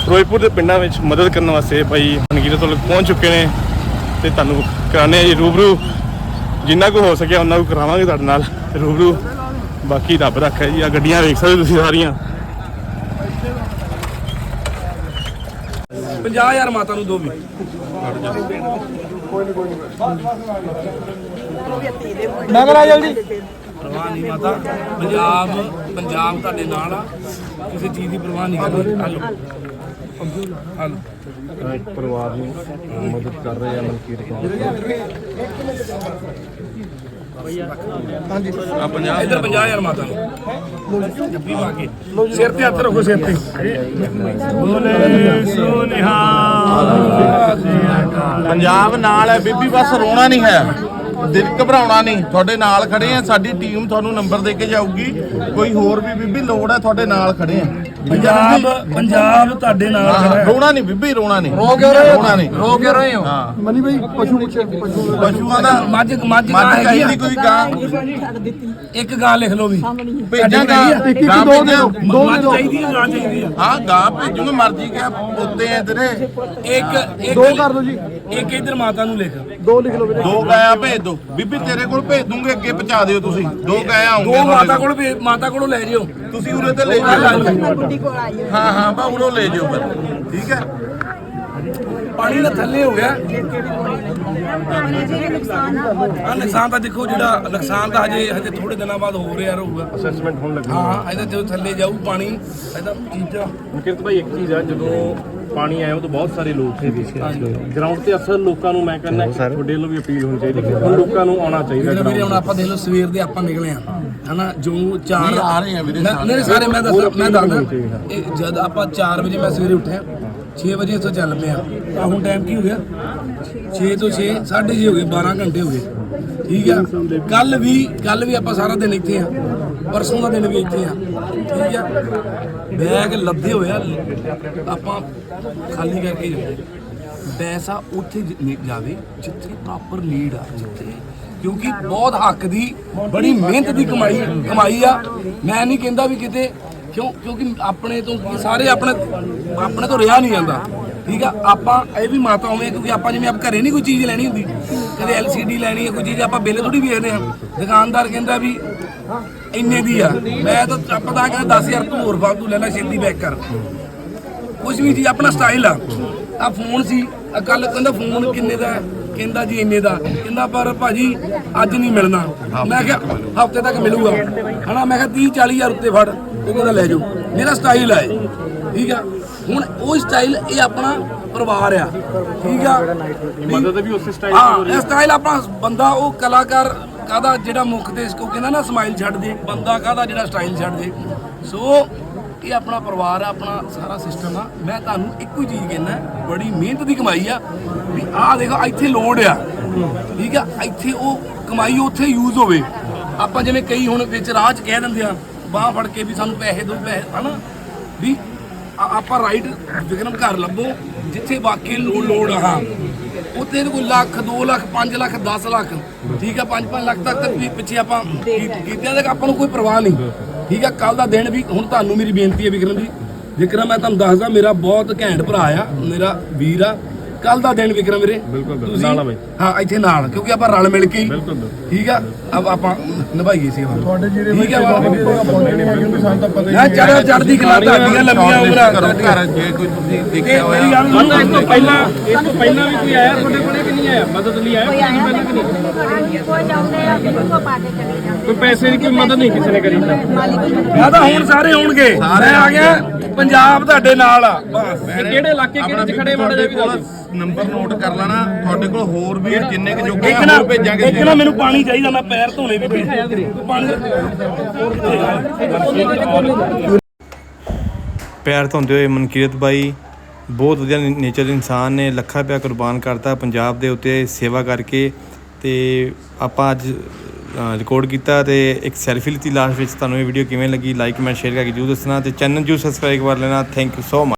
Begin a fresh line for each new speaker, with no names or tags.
ਫਿਰੋਜ਼ਪੁਰ ਦੇ ਪਿੰਡਾਂ ਵਿੱਚ ਮਦਦ ਕਰਨ ਵਾਸਤੇ ਭਾਈ ਮਨਕੀਰਤ ਵੱਲ ਪਹੁੰਚ ਚੁੱਕੇ ਨੇ ਤੇ ਤੁਹਾਨੂੰ ਕਰਾਉਂਦੇ ਜੀ ਰੂਬਰੂ। ਜਿੰਨਾ ਕੁ ਹੋ ਸਕਿਆ ਉਹਨਾਂ ਕੁ ਕਰਾਵਾਂਗੇ ਤੁਹਾਡੇ ਨਾਲ ਰੂਬਰੂ। ਬਾਕੀ ਰੱਬ ਰੱਖੇ ਜੀ। ਆ ਗੱਡੀਆਂ ਵੇਖ ਸਕਦੇ ਤੁਸੀਂ ਸਾਰੀਆਂ।
50,000 ਮਾਤਾ ਨੂੰ ਦੋ ਵੀ
ਨਗਰ ਆ ਜਲਦੀ।
ਪਰਵਾਹ ਨਹੀਂ ਮਾਤਾ, ਪੰਜਾਬ ਤੁਹਾਡੇ ਨਾਲ ਆ, ਕਿਸੇ ਚੀਜ਼ ਦੀ ਪਰਵਾਹ ਨਹੀਂ ਕਰਨੀ। ਹਲੋ
ਇੱਕ ਪਰਿਵਾਰ ਨੂੰ ਮਦਦ ਕਰ ਰਹੇ ਆ ਮਨਕੀਰਤ।
ਹਾਂਜੀ
ਆ 50
ਇੱਧਰ 50,000 ਮਾਤਾ ਨੂੰ ਜੱਫੀ ਪਾ ਕੇ ਸਿਰ ਤੇ ਹੱਥ ਰੱਖੋ, ਸਿਰ ਤੇ। ਬੋਲੇ
ਪੰਜਾਬ ਨਾਲ ਹੈ ਬੀਬੀ, ਬਸ ਰੋਣਾ ਨਹੀਂ ਹੈ, ਦਿਲ ਘਬਰਾਉਣਾ ਨਹੀਂ। ਤੁਹਾਡੇ ਨਾਲ ਖੜੇ ਆ, ਸਾਡੀ ਟੀਮ ਤੁਹਾਨੂੰ ਨੰਬਰ ਦੇ ਕੇ ਜਾਊਗੀ। ਕੋਈ ਹੋਰ ਵੀ ਬੀਬੀ ਲੋੜ ਹੈ, ਤੁਹਾਡੇ ਨਾਲ ਖੜੇ ਆ।
ਪੰਜਾਬ ਤੁਹਾਡੇ ਨਾਲ ਖੜਾ ਹੈ।
ਰੋਣਾ ਨਹੀਂ ਬੀਬੀ, ਰੋਣਾ ਨਹੀਂ।
ਰੋ ਕਿਉਂ ਰਹੇ ਹੋ?
ਰੋਣਾ ਨਹੀਂ।
ਰੋ ਕਿਉਂ ਰਹੇ ਹੋ?
ਹਾਂ
ਮਨੀ ਭਾਈ ਪਸ਼ੂ ਪੁੱਛੇ
ਪਸ਼ੂਆਂ ਦਾ
ਮੱਝ
ਚਾਹੀਦੀ ਕੋਈ ਗਾਂ
ਇੱਕ ਗਾਂ ਲਿਖ ਲਓ ਵੀ।
ਭੇਜਾਂਗਾ।
ਇੱਕ
ਗਾਂ
ਦੋ ਦੇ
ਭੇਜਾਂ।
ਦਿਓ। ਦੋ
ਮੱਝ
ਦੇ ਦਿਓ।
ਚਾਹੀਦੀ ਹੈ, ਗਾਂ ਚਾਹੀਦੀ ਹੈ।
ਹਾਂ ਗਾਂ ਭੇਜੂਗਾ, ਮਰਜੀ ਕਿਆ ਪੋਤੇ ਆ ਤੇਰੇ।
ਇੱਕ
ਦੋ ਕਰ ਦਿਓ ਜੀ।
ਇੱਕ ਇੱਧਰ ਮਾਤਾ ਨੂੰ ਲਿਖ।
ਦੋ ਲਿਖ ਲਓ ਵੀਰੇ।
2 ਗਾਇਆ ਭੇਜ ਦੋ ਬੀਬੀ, ਤੇਰੇ ਕੋਲ ਭੇਜ ਦੂੰਗੇ, ਅੱਗੇ ਪਹੁੰਚਾ ਦਿਓ ਤੁਸੀਂ। 2 ਗਾਇਆ
ਦੋ
ਆਉਂਗੇ
ਮਾਤਾ ਕੋਲੋਂ ਲੈ ਜਿਓ।
ਤੁਸੀਂ ਉਰੇ ਤੇ ਲੈ ਜਾਓ। ਹਾਂ ਹਾਂ ਬਾ ਉਰੋਂ ਲੈ ਜਾਓ ਫਿਰ, ਠੀਕ ਹੈ।
ਪਾਣੀ ਦਾ ਥੱਲੇ ਹੋ ਗਿਆ। ਆ ਨੁਕਸਾਨ ਤਾਂ ਦੇਖੋ, ਜਿਹੜਾ ਨੁਕਸਾਨ ਤਾਂ ਹਜੇ ਥੋੜੇ ਦਿਨਾਂ ਬਾਅਦ ਹੋ ਰਿਹਾ ਰਹੂਗਾ।
ਅਸੈਸਮੈਂਟ ਹੋਣ ਲੱਗੀ।
ਹਾਂ ਇਹਦਾ ਜਦੋਂ ਥੱਲੇ ਜਾਊ ਪਾਣੀ ਇਹਦਾ ਚੀਜ਼ਾਂ।
ਮਨਕੀਰਤ ਭਾਈ ਇੱਕ ਚੀਜ਼ ਆ, ਜਦੋਂ ਪਾਣੀ ਆਇਆ ਉਦੋਂ ਬਹੁਤ ਸਾਰੇ ਲੋਕ ਸੀ ਗਰਾਊਂਡ ਤੇ। ਅਸਲ ਲੋਕਾਂ ਨੂੰ ਮੈਂ ਕਹਿੰਦਾ ਤੁਹਾਡੇ ਵੱਲੋਂ ਵੀ ਅਪੀਲ ਹੋਣੀ ਚਾਹੀਦੀ, ਹੁਣ ਲੋਕਾਂ ਨੂੰ ਆਉਣਾ ਚਾਹੀਦਾ।
ਵੀਰੇ ਹੁਣ ਆਪਾਂ ਦੇਖ ਲਓ, ਸਵੇਰ ਦੇ ਆਪਾਂ ਨਿਕਲੇ ਆ ਹਨਾ, ਜੋ 4
ਆ ਰਹੇ ਆ ਵੀਰੇ
ਮੇਰੇ ਸਾਰੇ। ਮੈਂ ਦੱਸਦਾ ਇਹ ਜਦ ਆਪਾਂ 4 ਵਜੇ ਮੈਂ ਸਵੇਰੇ ਉੱਠਿਆ, 6 ਵਜੇ ਇੱਥੋਂ ਚੱਲ ਪਿਆ। ਆ ਹੁਣ ਟਾਈਮ ਕੀ ਹੋ ਗਿਆ? 6 ਤੋਂ 6 6:30 ਹੋ ਗਏ, 12 ਘੰਟੇ ਹੋ ਗਏ। ਠੀਕ ਆ। ਕੱਲ ਵੀ ਆਪਾਂ ਸਾਰਾ ਦਿਨ ਇੱਥੇ ਆ, ਪਰਸੋਂ ਦਾ ਦਿਨ ਵੀ ਇੱਥੇ ਆ। ਠੀਕ ਆ। ਬੈਗ ਲੱਦੇ ਹੋਇਆ, ਆਪਾਂ ਖਾਲੀ ਕਰਕੇ ਜਾਓ। ਪੈਸਾ ਉੱਥੇ ਜਾਵੇ ਜਿੱਥੇ ਪ੍ਰੋਪਰ ਲੀਡ ਆ, ਜਿੱਥੇ ਕਿਉਂਕਿ ਬਹੁਤ ਹੱਕ ਦੀ ਬੜੀ ਮਿਹਨਤ ਦੀ ਕਮਾਈ ਆ। ਮੈਂ ਨਹੀਂ ਕਹਿੰਦਾ ਵੀ ਕਿਤੇ ਕਿਉਂਕਿ ਆਪਣੇ ਤੋਂ ਸਾਰੇ ਆਪਣੇ ਤੋਂ ਰਿਹਾ ਨਹੀਂ ਜਾਂਦਾ। ਠੀਕ ਆ। ਆਪਾਂ ਇਹ ਵੀ ਮਾਤਾ ਹੋਵੇਂ, ਕਿਉਂਕਿ ਆਪਾਂ ਜਿਵੇਂ ਆਪ ਘਰੇ ਨਹੀਂ ਕੋਈ ਚੀਜ਼ ਲੈਣੀ ਹੁੰਦੀ, ਕਦੇ LCD ਲੈਣੀ ਹੈ, ਕੋਈ ਚੀਜ਼ ਆਪਾਂ ਬਿੱਲ ਥੋੜੀ ਵੇਖਦੇ ਆ। ਦੁਕਾਨਦਾਰ ਕਹਿੰਦਾ ਵੀ ਇੰਨੇ ਦੀ ਆ, ਮੈਂ ਤਾਂ ਆਪਾਂ ਤਾਂ ਕਹਿੰਦਾ 10,000 ਤੂੰ ਹੋਰ ਫਾਲਤੂ ਲੈ ਲੈ, ਛੇਤੀ ਬੈਕ ਕਰ। ਕੁਝ ਵੀ ਚੀਜ਼ ਆਪਣਾ ਸਟਾਈਲ ਆ। ਆ ਫੋਨ ਸੀ, ਕੱਲ ਕਹਿੰਦਾ ਫੋਨ ਕਿੰਨੇ ਦਾ? ਕਹਿੰਦਾ ਜੀ ਇੰਨੇ ਦਾ। ਕਹਿੰਦਾ ਪਰ ਭਾਜੀ ਅੱਜ ਨਹੀਂ ਮਿਲਣਾ। ਮੈਂ ਕਿਹਾ ਹਫਤੇ ਤੱਕ ਮਿਲੂਗਾ ਹਨਾ। ਮੈਂ ਕਿਹਾ 30-40,000 ਉੱਤੇ ਫੜ। ਉਹ ਕਹਿੰਦਾ ਲੈ ਜਾਓ, ਮੇਰਾ ਸਟਾਈਲ ਆ। ਠੀਕ ਆ। ਹੁਣ ਉਹ ਸਟਾਈਲ ਇਹ ਆਪਣਾ ਪਰਿਵਾਰ ਆ। ਠੀਕ ਆ।
ਮਦਦ ਵੀ ਉਸੇ ਸਟਾਈਲ
ਹਾਂ ਇਹ ਸਟਾਈਲ ਆਪਣਾ ਬੰਦਾ, ਉਹ ਕਲਾਕਾਰ ਕਾਹਦਾ ਜਿਹੜਾ ਮੁੱਖ ਤੇ ਕੋ ਕਹਿੰਦਾ ਨਾ ਸਮਾਈਲ ਛੱਡ ਦੇ, ਬੰਦਾ ਕਾਹਦਾ ਜਿਹੜਾ ਸਟਾਈਲ ਛੱਡ ਦੇ। ਸੋ ਇਹ ਆਪਣਾ ਪਰਿਵਾਰ ਆ, ਆਪਣਾ ਸਾਰਾ ਸਿਸਟਮ ਆ। ਮੈਂ ਤੁਹਾਨੂੰ ਇੱਕੋ ਹੀ ਚੀਜ਼ ਕਹਿੰਦਾ, ਬੜੀ ਮਿਹਨਤ ਦੀ ਕਮਾਈ ਆ। ਵੀ ਆਹ ਦੇਖੋ ਇੱਥੇ ਲੋੜ ਆ। ਠੀਕ ਆ। ਇੱਥੇ ਉਹ ਕਮਾਈ ਉੱਥੇ ਯੂਜ਼ ਹੋਵੇ। ਆਪਾਂ ਜਿਵੇਂ ਕਈ ਹੁਣ ਵਿੱਚ ਰਾਹ 'ਚ ਕਹਿ ਦਿੰਦੇ ਆ, ਬਾਂਹ ਫੜ ਕੇ ਵੀ ਸਾਨੂੰ ਪੈਸੇ ਦਿਓ, ਪੈਸੇ ਹਨਾ। ਵੀ ਆਪਾਂ ਰਾਈਟ ਵਿਕਰਮ ਘਰ ਲੱਭੋ ਜਿੱਥੇ ਵਾਕਈ ਲੋੜ ਆ। ਹਾਂ ਉੱਥੇ ਕੋਈ ਲੱਖ 2 ਲੱਖ 5 ਲੱਖ 10 ਲੱਖ ਠੀਕ ਆ 5-5 ਲੱਖ ਤੱਕ ਵੀ ਪਿੱਛੇ ਆਪਾਂ ਕੀਤਿਆਂ ਤੱਕ ਆਪਾਂ ਨੂੰ ਕੋਈ ਪਰਵਾਹ ਨਹੀਂ। ਠੀਕ ਆ। ਕੱਲ ਦਾ ਦਿਨ ਵੀ ਹੁਣ ਤੁਹਾਨੂੰ ਮੇਰੀ ਬੇਨਤੀ ਹੈ ਵਿਕਰਮ ਜੀ, ਵਿਕਰਮ ਮੈਂ ਤੁਹਾਨੂੰ ਦੱਸਦਾ ਮੇਰਾ ਬਹੁਤ ਘੈਂਟ ਭਰਾ ਆ, ਮੇਰਾ ਵੀਰ ਆ। ਕੱਲ ਦਾ ਦਿਨ ਵਿਕਰਮ ਵੀਰੇ
ਬਿਲਕੁਲ ਨਾਲ ਆ ਬਾਈ।
ਹਾਂ ਇੱਥੇ ਨਾਲ, ਕਿਉਂਕਿ ਆਪਾਂ ਰਲ ਮਿਲ ਕੇ ਠੀਕ ਆ ਆਪਾਂ ਨਿਭਾਈਏ ਸੇਵਾ।
ਤੁਹਾਡੇ ਜਿਹੜੇ
ਠੀਕ ਆ।
ਸਾਨੂੰ ਤਾਂ ਪਤਾ
ਮੈਂ ਚੜ੍ਹਦੀ ਕਲਾ ਤੁਹਾਡੀਆਂ ਲੰਮੀਆਂ ਉਮਰਾਂ।
ਘਰ ਜੇ ਕੋਈ ਤੁਸੀਂ ਦੇਖਿਆ ਹੋਇਆ।
ਮੇਰੀ ਗੱਲ ਸੁਣੋ,
ਇਸ ਤੋਂ ਪਹਿਲਾਂ ਵੀ ਕੋਈ ਆਇਆ ਤੁਹਾਡੇ ਕੋਲੇ ਕਿ ਨਹੀਂ ਆਇਆ? ਮਦਦ ਲਈ ਆਇਆ ਕੋਈ ਪਹਿਲਾਂ ਕਿ ਨਹੀਂ? ਕੋਈ ਪੈਸੇ ਦੀ ਕੋਈ ਮਦਦ ਨਹੀਂ ਕਿਸੇ ਨੇ ਕਰੀ?
ਮੈਂ ਤਾਂ ਹੁਣ ਸਾਰੇ ਆਉਣਗੇ। ਮੈਂ ਆ ਗਿਆ, ਪੰਜਾਬ ਤੁਹਾਡੇ ਨਾਲ ਆ। ਬਸ
ਕਿਹੜੇ ਇਲਾਕੇ ਕਿਹੜੇ ਚ ਖੜੇ ਮਾੜੇ ਜਿਹੇ ਵੀ ਦੱਸੋ।
ਨੰਬਰ ਨੋਟ ਕਰ ਲੈਣਾ, ਤੁਹਾਡੇ ਕੋਲ ਹੋਰ ਵੀ ਜਿੰਨੇ ਕਿ ਜੋਗੇ
ਇੱਕ ਨਾ
ਹੋਰ ਭੇਜਾਂਗੇ।
ਇੱਕ ਨਾ ਮੈਨੂੰ ਪਾਣੀ ਚਾਹੀਦਾ, ਮੈਂ ਪੈਰ ਧੋਣੇ ਵੀ ਪਾਣੀ।
ਪੈਰ ਧੋਂਦੇ ਹੋਏ ਮਨਕੀਰਤ ਬਾਈ ਬਹੁਤ ਵਧੀਆ ਨੇਚਰ ਦੇ ਇਨਸਾਨ ਨੇ, ਲੱਖਾਂ ਰੁਪਇਆ ਕੁਰਬਾਨ ਕਰਤਾ ਪੰਜਾਬ ਦੇ ਉੱਤੇ ਸੇਵਾ ਕਰਕੇ। ਤੇ ਆਪਾਂ ਅੱਜ ਰਿਕਾਰਡ ਕੀਤਾ ਤੇ ਇੱਕ ਸੈਲਫੀ ਲਿੱਤੀ ਲਾਸਟ ਵਿੱਚ। ਤੁਹਾਨੂੰ ਇਹ ਵੀਡੀਓ ਕਿਵੇਂ ਲੱਗੀ ਲਾਈਕ ਕਮੈਂਟ ਸ਼ੇਅਰ ਕਰਕੇ ਜਰੂਰ ਦੱਸਣਾ ਤੇ ਚੈਨਲ ਜਰੂਰ ਸਬਸਕ੍ਰਾਈਬ ਕਰ ਲੈਣਾ। Thank you so much.